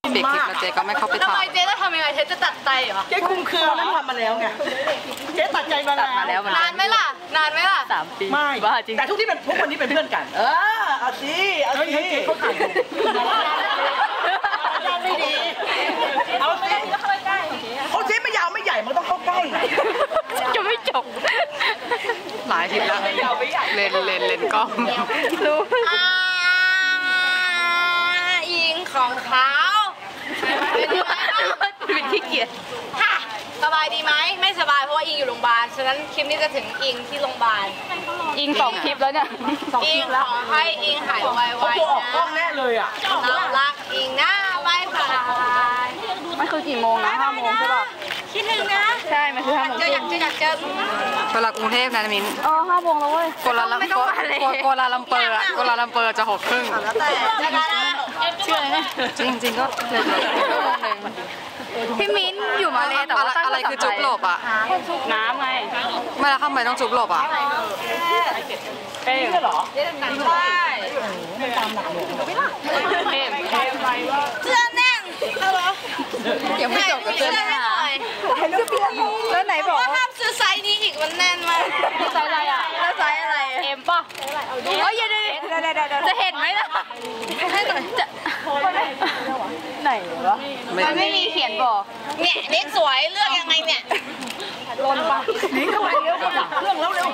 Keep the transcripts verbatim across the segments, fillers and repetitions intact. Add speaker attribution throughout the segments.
Speaker 1: ปิดคลิปแล้วเจ๊ก็ไม่เข้าไป
Speaker 2: ทำ
Speaker 1: ถ่า
Speaker 2: ไม
Speaker 1: ย
Speaker 2: เจ๊จะทำยังไงเจ๊จะตัดใจเหรอ
Speaker 3: เจ๊คุมเครือนั้นทำมาแล้วไงเจ๊ตัดใจมาแล้ว
Speaker 2: นานไหมล่ะนานไหมล่ะ
Speaker 1: สามปี
Speaker 3: ไม่
Speaker 1: บ้าจริง
Speaker 3: แต่ทุกที่เป็นพวกคนนี้เป็นเพื่อนกันเออเอาสิเอาสิเขาถ่ายไม่ดีเอาสิเขาเจ๊ไม่ยาวไม่ใหญ่มันต้องเข้าใกล้
Speaker 1: จะไม่จบหลายทีแล้วเลนเลนเลนกล้องรู้
Speaker 2: อิงของเขา
Speaker 1: เป็นขี้เกียจ
Speaker 2: ค่ะสบายดีไหมไม่สบายเพราะว่าอิงอยู่โรงพยาบาลฉะนั้นคลิปนี้จะถึงอิงที่โรงพยาบาล
Speaker 1: อิงสองคลิปแล้วเนี่ย
Speaker 2: อิงขอให้อิงหายไวๆนะ
Speaker 3: ออกกล้องแน่เลยอ่ะ
Speaker 2: เรารักอิงนะบายบาย
Speaker 1: มันคือกี่โมงนะห้าโมงใช่ป่ะ
Speaker 2: คิดถึงนะ
Speaker 1: ใช่มันคือห้าโมง
Speaker 2: เจออยากเจออยากเจอ
Speaker 1: เวลากรุงเทพนะมิ้น
Speaker 2: อ๋อห้าโมงแล้วเว้ย
Speaker 1: โกลาลัมเปอร์โกลาลัมเปอร์อะโกลาลัมเปอร์จะหกครึ่ง
Speaker 2: เชื่อไหม
Speaker 1: จริงจริงก็เลยชั่วโมงหนึ่งพี่มิ้นอยู่มาเลยแต่ว่าอะไรคือจุ๊บหลบอ่ะน้ำไงไม่แล้วทำไมต้องจุ๊บหลบอ่ะ
Speaker 3: เอ๊ะเหรอ
Speaker 2: ใช่เสื้อแน่น
Speaker 1: ยังไม่จบกับเสื้อหน้าแล้วไหนบอก
Speaker 2: ว่าห้ามซื้อไซส์นี้อีกมันแน่นมาก
Speaker 1: ไซส์อะไรอ่ะ
Speaker 2: แล้วไซส์อะไร
Speaker 1: เอ็มป่ะเฮ้ยอย่าดิจะเห็นไหมล่ะจะไหนวะมันไม่มีเขียนบอก
Speaker 2: เนี่ยเด็กสวยเลือกยังไงเนี่ย
Speaker 3: ลนปะหนีเข้าไปเร็วก็ดับเครื่องแล้วเร็ว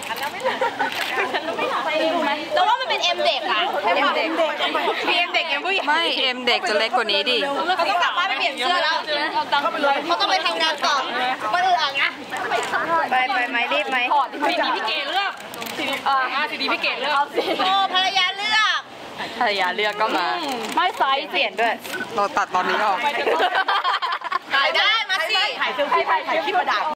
Speaker 2: แต่ว่ามันเป็นเอ็มเด็กอะ
Speaker 1: เอ็มเด็กพีเอ็มเด็กเอ็มผู้ใหญ่ไม่เอ็มเด็กจะเล็กกว่านี้ดิ
Speaker 2: เขาต้องกลับบ้านไปเปลี่ยนเสื้อแล้วเขาต้องไปทำงานต่อมาอื่นอ่ะนะ
Speaker 1: ไปไปไหมรีบไหม
Speaker 2: สีดีพี่เกดเลือกสีดีอ่าสีดีพี่เกดเลือกโอ้ภรรยาเลือก
Speaker 1: ภรรยาเลือกก็มาไม่ไซส์เปลี่ยนด้วยเราตัดตอนนี้ออก
Speaker 2: ถ่ายได้มาสิ
Speaker 3: ถ่ายเซลฟี่ถ่ายคลิปประดับ